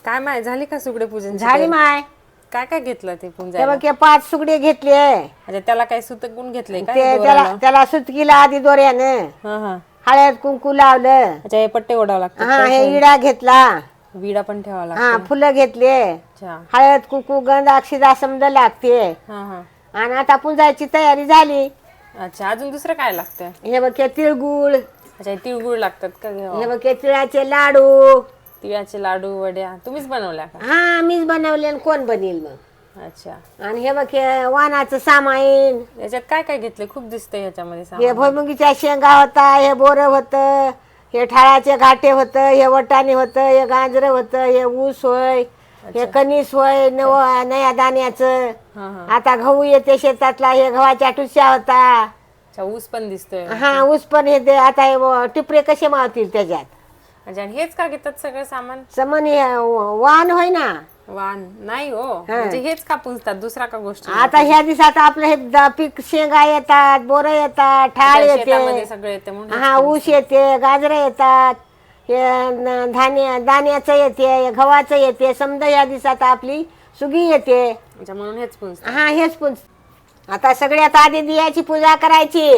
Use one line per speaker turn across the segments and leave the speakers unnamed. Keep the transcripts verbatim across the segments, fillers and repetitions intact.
काय माय झाली का सुगडे पूजन?
झाली माय.
काय काय घेतलं ते
ते
पूजायला?
बघ हे पाच सुगडे घेतले.
म्हणजे त्याला काय सुतक गुण घेतले काय
ते त्याला
दोराला?
त्याला सुतकीला आधी दोऱ्यानं
हा हा.
हळद कुंकू लावलं.
अच्छा हे पट्टे ओढावं लागतात
हा
काय
हे
काय?
इडा घेतला.
विडा पण ठेवावा
हा
लागतो.
फुलं घेतले.
अच्छा.
हळद कुंकू गंध अक्षदा समज लागते.
हा हा.
आणि आता पुंजायची तयारी झाली.
अच्छा अजून दुसरं काय लागतं?
हे बघ हे तिळगुळ.
अच्छा हे तिळगुळ लागतात का
हे
घेवा?
बघ हे तिळाचे लाडू.
तिळाचे लाडू वड्या तुम्हीच बनवल्या का?
हा मीच बनवले आणि कोण बनेल मग.
अच्छा.
आणि हे बघ हे वाणाचं सामाईन.
याच्यात काय काय घेतले? खूप दिसतंय ह्याच्यामध्ये
हे
सामान.
भुईमुगीच्या शेंगा होता. हे बोरं होतं. हे ठाळाचे घाटे होतं. हे वटाणे होतं. हे गाजरं होतं. हे ऊस होय. हे कणीस होय नव नया दाण्याचं.
हा हा.
आता गहू येते शेतातला. हे गव्हाच्या टुस्या होता.
अच्छा ऊस पण दिसतोय.
हा ऊस पण हे ते आता हे टिपरे कसे मावतील त्याच्यात.
अच्छा आणि हेच का घेतात सगळं सामान?
समन हे वाण होय ना.
वाण नाही हो, म्हणजे हेच का पुंजतात दुसरा का गोष्टी?
आता ह्या दिवसात आपलं हे द- पीक शेंगा येतात, बोरं येतात, ठाळ
शेतामध्ये
येते,
सगळे येते म्हणून हेच
हा ऊस
पुंजतात.
येते, गाजरं येतात, हे न- धान्य दाण्याचं येते, हे गव्हाचं येते. समजा या दिवसात आपली सुगी येते.
अच्छा म्हणून हेच पुंजतात.
हा हेच पुंज. आता सगळ्यात आधी दियाची पूजा करायची.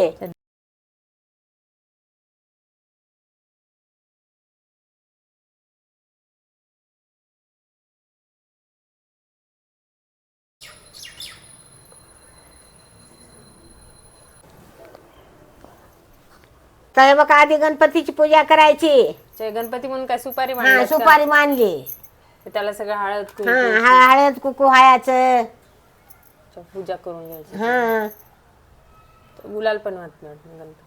तर हे बघ आधी गणपतीची पूजा करायची.
अच्छा, गणपती म्हणून काय सुपारी
हा
मांडतात का?
सुपारी मांडली.
त्याला सगळं हळद
हा
कुंकू
हा हळद कुकू हायाचं.
अच्छा, पूजा करून घ्यायची.
हा
गुलाल पण वाटत गणपती.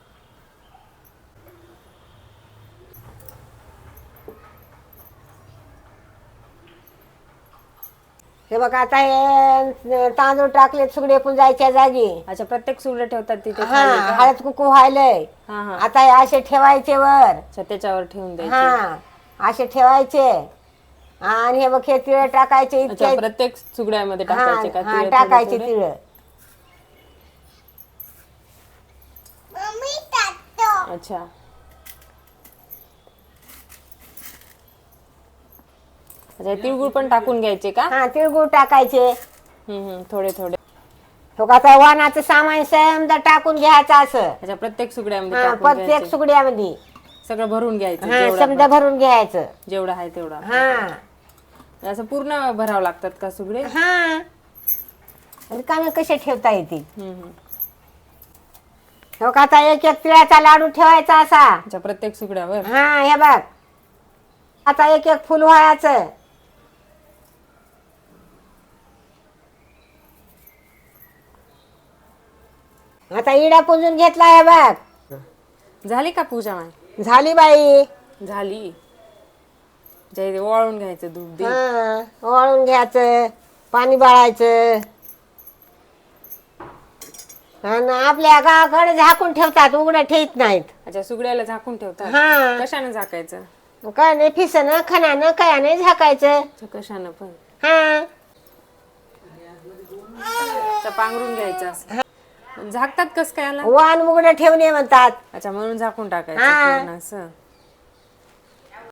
हे बघ आता हे तांदूळ टाकले सुगडे पुंजायच्या जागी.
अच्छा प्रत्येक सुगडे ठेवतात तिथे
हा
खाली का?
हळद कुकू व्हायलंय.
हा हा.
आता हे असे ठेवायचे वर.
अच्छा त्याच्यावर ठेवून द्यायचे.
हा असे ठेवायचे. आणि हे बघ हे तिळ टाकायचे
अच्छा
इतके.
प्रत्येक सुगड्यामध्ये
हा
टाकायचे का
हा
तिळ थोडे
टाकायचे
थोडे?
तिळ.
अच्छा. अच्छा तिळगुळ पण टाकून घ्यायचे का?
हा तिळगुळ टाकायचे.
हम्म हम्म थोडे थोडे.
हो का आता वाणाचं सामान समजा टाकून घ्यायचं असं.
अच्छा प्रत्येक सुगड्यामध्ये
हा
टाकून
प्रत्येक
घ्यायचे.
सुगड्यामध्ये.
सगळं भरून घ्यायचं
हा
जेवढं
समजा भरून घ्यायचं.
जेवढं आहे तेवढं.
हा
असं पूर्ण भरावं लागतात का सुगडे?
हा रिकामे कसे ठेवता येतील.
हम्म हम्म.
हो का आता एक एक तिळाचा लाडू ठेवायचा असा.
अच्छा प्रत्येक सुगड्यावर?
हा हे बघ आता एक एक फुल व्हायचं. आता इडा पुंजून घेतला हे बघ.
झाली का पूजा माय?
झाली बाई.
झाली. जे ओवाळून घ्यायचं दूध दे.
हा वाळून घ्यायचं, पाणी बाळायचं. आणि आपल्या गावाकडे झाकून ठेवतात, उघडं ठेवत नाहीत.
अच्छा सुगड्याला झाकून ठेवतात.
हा
कशाने झाकायचं?
काय नाही फिसनं खणानं काय नाही झाकायचं.
अच्छा कशानं पण?
हा
अच्छा पांघरून घ्यायचं असं. झाकतात कस काय याला?
वाण उघडं ठेवणे म्हणतात.
अच्छा म्हणून झाकून टाकायचं
हा.
पूर्ण असं.